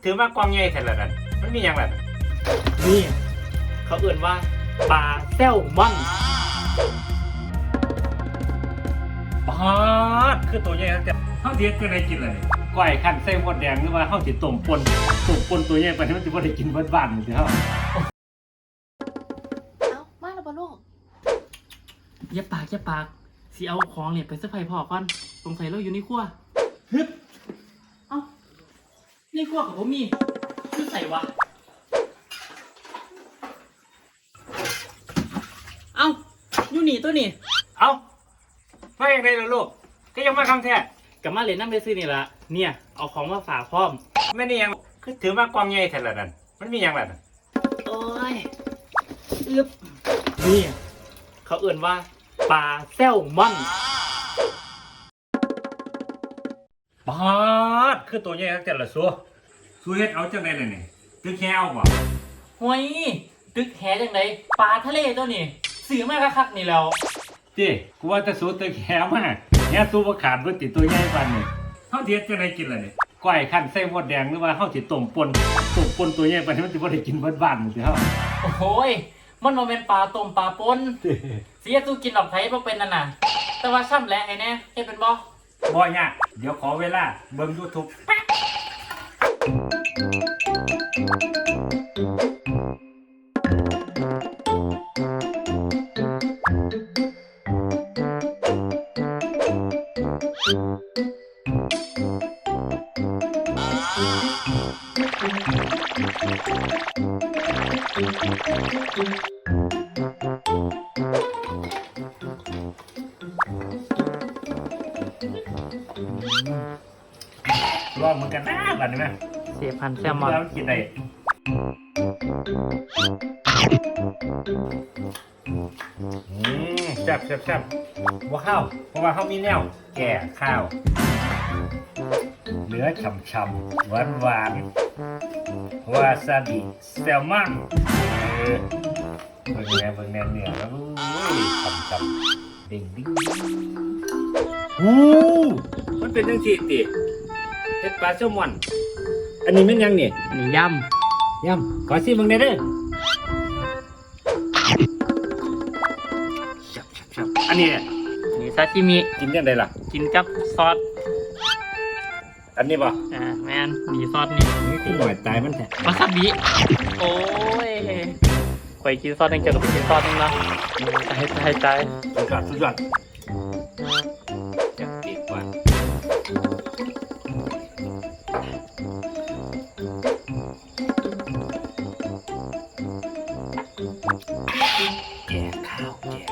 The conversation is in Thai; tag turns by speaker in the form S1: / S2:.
S1: ถือมากองใหญ่แท้ละนั่นมันมีหยังล่ะนั่น
S2: นี่เขาเอื่นว่าปลาแซลมอน
S1: ปาดคือตัวใหญ่แต่เฮาสิเฮ็ดจังไดกินล่ะนี่ก้อยคั่นใส่หมดแดงหรือว่าเฮาสิต้มป่นตัวใหญ่ไปให้มันสิบ่ได้กินเบิดบ้านนี่สิเฮา
S3: เอามาแล้วบ่ลูก
S2: อย่าปากสิเอาของเนี่ยไปเซอร์ไพรส์พ่อก่อนสงสัยเราอยู่ในครัวฮึบเอ้าในครัวของผมมีคือใส่วะเอ้าอยู่นี่ตัวนี่
S1: เอ้ามาจังได๋ล่ะลูกก็ยังมาคำแท้
S2: กลับมาเล่นน้ำไปซื้อนี่ละเนี่ยเอาของมาฝากพร้อม
S1: แม่นี่หยังคือถือมากองใหญ่แท้ละนั่นมันมีหยังล่ะนั่น
S2: โอ้ยอึบนี่เขาเอื่นว่าปลาแซลมอน
S1: ปาดคือตัวใหญ่แต่ละสู้เฮ็ดเอาจังได๋ล่ะนี่คือแค่เอาบ่
S2: ห้วยตึกแหจังไดปลาทะเลตัวนี่ซื้อมาคักๆนี่แล้ว
S1: ติกูว่าจะสู้ตึกแค่มาแค่สู้บ่ขาดเบิดติตัวใหญ่ปานนี้เฮาสิเฮ็ดจังไดกินล่ะนี่ก้อยคั่นใส่หมดแดงหรือว่าเฮาสิต้มป่นตัวใหญ่ไปให้มันสิบ่ได้กินเบิดบ้านนี่สิเฮา
S2: โอ้ยมันบ่แม่นปลาต้มปลาปนเสียตู้กินออกไผบ่เป็นนั่นน่ะแต่ว่าซ้ำแหละไอ้แน่เฮ็ดเป็นบ่
S1: บ่ยากเดี๋ยวขอเวลาเบิ่ง YouTube ลองเหมือนกันนะบัดนี้แม่
S2: เสียพันแซลมอน
S1: แล้วกินได้แซ่บว่าข้าวเพราะว่าเขามีแนวแก่ข้าวเนื้อฉ่ำๆหวานวาซาบิแซลมอนเบิ่งแนวเนื้อแล้วฉ่ำๆดิ่งมันเป็นจังซี่ติเฮ็ดปลาแซลมอนอันนี้มันยังนี่
S2: นี่ย
S1: ย่ำขอซิมึงได้เด้อชับอันนี้
S2: ำนี่ซาชิมิ
S1: กินยังไงล่ะ
S2: กินกับซอส
S1: อันนี้ป่ะ
S2: แมนมีซอสนี่
S1: นี่กูหน่อยตายมันแท้
S2: วาซาบิโอ้ยข่อยกินซอสนึงเจอกับไปกินซอสนึงเนาะให้ใจ
S1: สุดยอดจับปีกว่าแก่ข้าว